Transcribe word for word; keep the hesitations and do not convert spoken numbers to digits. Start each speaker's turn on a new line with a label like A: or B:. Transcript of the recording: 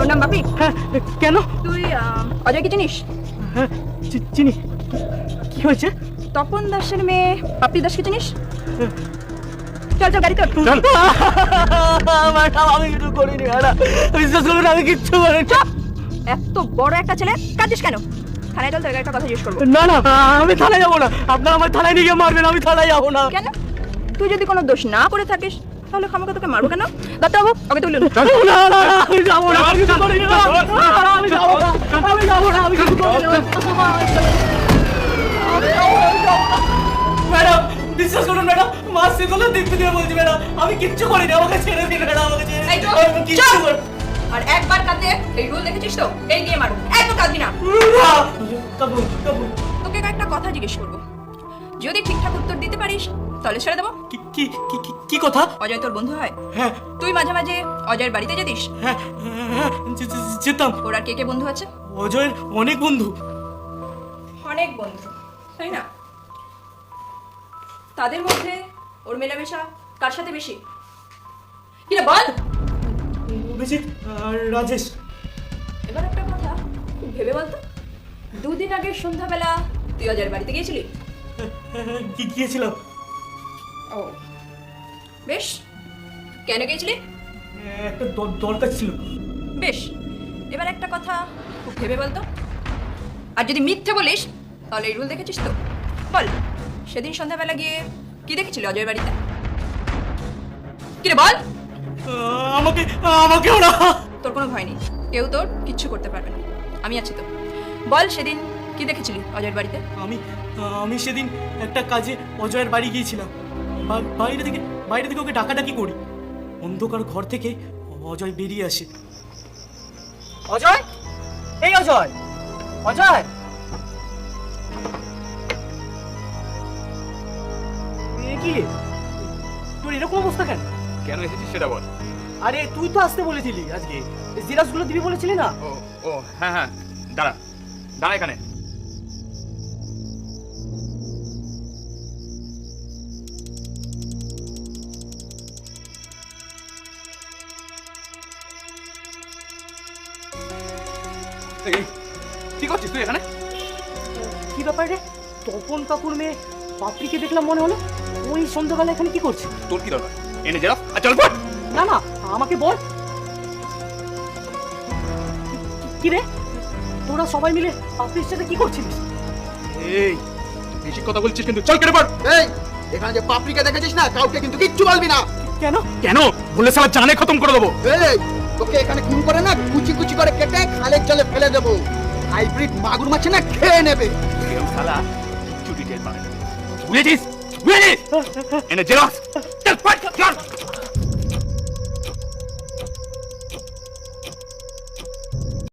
A: তোর নাম বাপি?
B: হ্যাঁ, কেন?
A: তুই অজয়কে চিনিস?
B: হ্যাঁ, চিনি। কি হয়েছে?
A: তপন দাসের মেয়ে পাপড়ি দাসকে চিনিস? চল চল গাড়ি তোর।
B: ম্যাডাম আমি কিছু করিনি ম্যাডাম, বিশ্বাস করবেন আমি কিচ্ছু করিনি।
A: এত বড় একটা ছেলে কাঁদিস কেন? থানায় চল, তোর একটা কথা জিজ্ঞেস করবো।
B: না না, আমি থানায় যাবো না, আপনারা আমার থানায় নিয়ে গিয়ে মারবেন, আমি থানায় যাবো না।
A: কেন? তুই যদি কোনো দোষ না করে থাকিস তাহলে খামাকে তোকে মারবো কেন? দত্তবাবু ওকে তুলুন।
B: না না, আমি যাবো না, আমি কিছু করিনি, আমি যাবো না, আমি যাবো না, আমি কিছু করিনি ম্যাডাম, বিশ্বাস করুন ম্যাডাম, মা সেগুলো দেখতে দিয়ে বলছি ম্যাডাম, আমি কিচ্ছু করিনি, আমাকে ছেড়ে দিন ম্যাডাম, আমাকে ছেড়ে
A: এই
B: দিন,
A: চুপ,
B: আমি কিচ্ছু
A: চুপ।
B: করিনি।
A: আর একবার কাঁদলে এই রুল দেখেছিস তো, এই দিয়ে মারবো, একদম কাঁদবি না।
B: কাবু কাবু
A: তোকে একটা কথা জিজ্ঞেস করবো, যদি ঠিকঠাক উত্তর দিতে পারিস তাহলে ছেড়ে দেবো।
B: কি কি কি কি- কি কথা?
A: অজয় তোর বন্ধু হয়?
B: হ্যাঁ
A: তুই মাঝে মাঝে অজয়ের বাড়িতে যেতিস?
B: হ্যাঁ হ্যাঁ, যে- যে- যেতাম।
A: ওর আর কে কে বন্ধু আছে?
B: অজয়ের অনেক বন্ধু।
A: অনেক বন্ধু, তাই না? তাদের মধ্যে ওর মেলামেশা কার সাথে বেশি? কি রে বল।
B: অভিজিৎ আর রাজেশ।
A: এবার একটা কথা খুব ভেবে বলতো, দুদিন আগে সন্ধ্যাবেলা তুই অজয়ের বাড়িতে গিয়েছিলি?
B: কি গিয়েছিলাম?
A: ও বেশ, কেন গিয়েছিলি?
B: একটা দ- দরকার ছিল।
A: বেশ, এবার একটা কথা খুব ভেবে বলতো, আর যদি মিথ্যে বলিস তাহলে এই রুল দেখেছিস তো? বল, সেদিন সন্ধ্যাবেলা গিয়ে কি দেখেছিলি অজয়ের বাড়িতে? কি রে বল।
B: আহ, আমাকে আমাকে ওরা।
A: তোর কোনো ভয় নেই, কেউ তোর কিচ্ছু করতে পারবে না, আমি আছি তো। বল, সেদিন কি দেখেছিলি অজয়ের বাড়িতে?
B: আমি আমি সেদিন একটা কাজে অজয়ের বাড়ি গিয়েছিলাম। বা- বাইরে থেকে বাইরে থেকে ওকে ডাকাডাকি করি, অন্ধকার ঘর থেকে অজয় বেরিয়ে আসে। অজয়, এই অজয়, অজয়, এ কি রে? তোর এরকম অবস্থা কেন?
C: কেন এসেছিস সেটা বল।
B: আরে তুই তো আসতে বলেছিলি আজকে, জিরাসগুলো দিবি বলেছিলি না?
C: ও ও হ্যাঁ হ্যাঁ, দাঁড়া দাঁড়া এখানে। এই, কি করছিস তুই এখানে?
B: কি ব্যাপার রে? তপন কাকুর মেয়ে পাপড়িকে দেখলাম মনে হলো, ওই সন্ধ্যাবেলা এখানে কি করছে?
C: তোর কি দরকার? এনে যা আর চল পড়।
B: না না, আমাকে বল। কি রে, তোরা সবাই মিলে পাপড়ির সাথে কি করছিলিস?
C: এই বেশি কথা বলছিস কিন্তু, চল কেটে পড়।
D: এই এখানে যে পাপড়িকে দেখেছিস না, কাউকে কিন্তু কিচ্ছু বলবি না।
B: কেন?
C: কেন বললে সালা জানে খতম করে দেবো।
D: এই তোকে এখানে খুন করে না কুচি কুচি করে কেটে খালের জলে ফেলে দেবো। হাইব্রিড মাগুর মাছ না খেয়ে নেবে।
C: এরকম সালা চুটি টের পাবে না, বুঝেছিস? বুঝেছিস? এনে জেরক্স চল পড় চল।